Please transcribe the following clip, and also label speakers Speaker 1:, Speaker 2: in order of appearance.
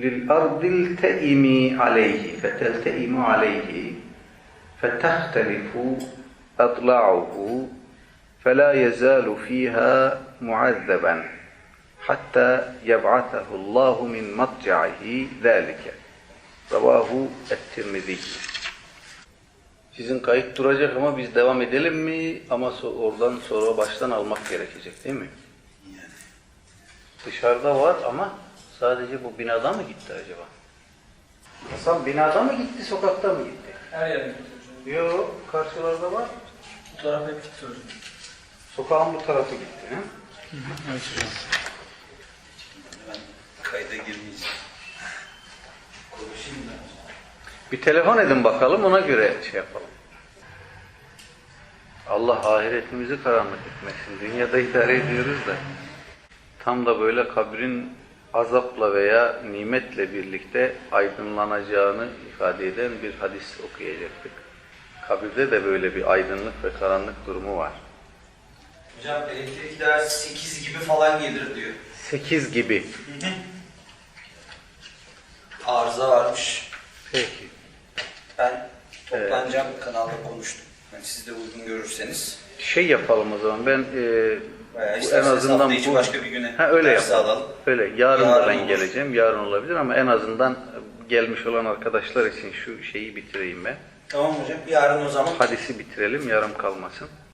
Speaker 1: لِلْأَرْضِ الْتَئِمِ عَلَيْهِ فَتَلْتَئِمُ عَلَيْهِ فَتَخْتَلِفُ أَضْلَعُهُ فَلَا يَزَالُ فِيهَا مُعَذَّبًا حَتَّى يَبْعَثَهُ اللّٰهُ مِنْ مَضْجَعِهِ ذَٰلِكَ Ravahu et-Tirmizi. Sizin kayıt duracak ama biz devam edelim mi? Ama oradan sonra baştan almak gerekecek değil mi? Dışarıda var ama sadece bu binada mı gitti acaba? Hasan binada mı gitti, sokakta mı gitti?
Speaker 2: Her yere gitti hocam.
Speaker 1: Yok, karşılarda var.
Speaker 2: Bu tarafa gitti hocam.
Speaker 1: Sokağın bu tarafı gitti. He?
Speaker 2: Evet hocam.
Speaker 3: Ben kayda girmeyeceğim. Konuşayım da.
Speaker 1: Bir telefon edin bakalım, ona göre şey yapalım. Allah ahiretimizi karanlık etmesin. Dünyada idare ediyoruz da. Tam da böyle kabrin azapla veya nimetle birlikte aydınlanacağını ifade eden bir hadis okuyacaktık. Kabirde de böyle bir aydınlık ve karanlık durumu var.
Speaker 3: Hocam elektrikler 8 gibi falan gelir diyor.
Speaker 1: 8 gibi.
Speaker 3: Arıza varmış.
Speaker 1: Peki.
Speaker 3: Ben toplanacağım kanalda konuştum. Yani siz de uygun görürseniz.
Speaker 1: Şey yapalım o zaman. Ben
Speaker 3: Veya
Speaker 1: en
Speaker 3: isterseniz
Speaker 1: azından
Speaker 3: hafta içi
Speaker 1: bu
Speaker 3: başka bir güne
Speaker 1: öyle
Speaker 3: ders
Speaker 1: yapalım.
Speaker 3: alalım.
Speaker 1: Öyle. Yarın da ben
Speaker 3: olur.
Speaker 1: geleceğim. Yarın olabilir ama en azından gelmiş olan arkadaşlar için şu şeyi bitireyim ben.
Speaker 3: Tamam hocam. Yarın o zaman.
Speaker 1: Hadisi bitirelim. Yarım kalmasın.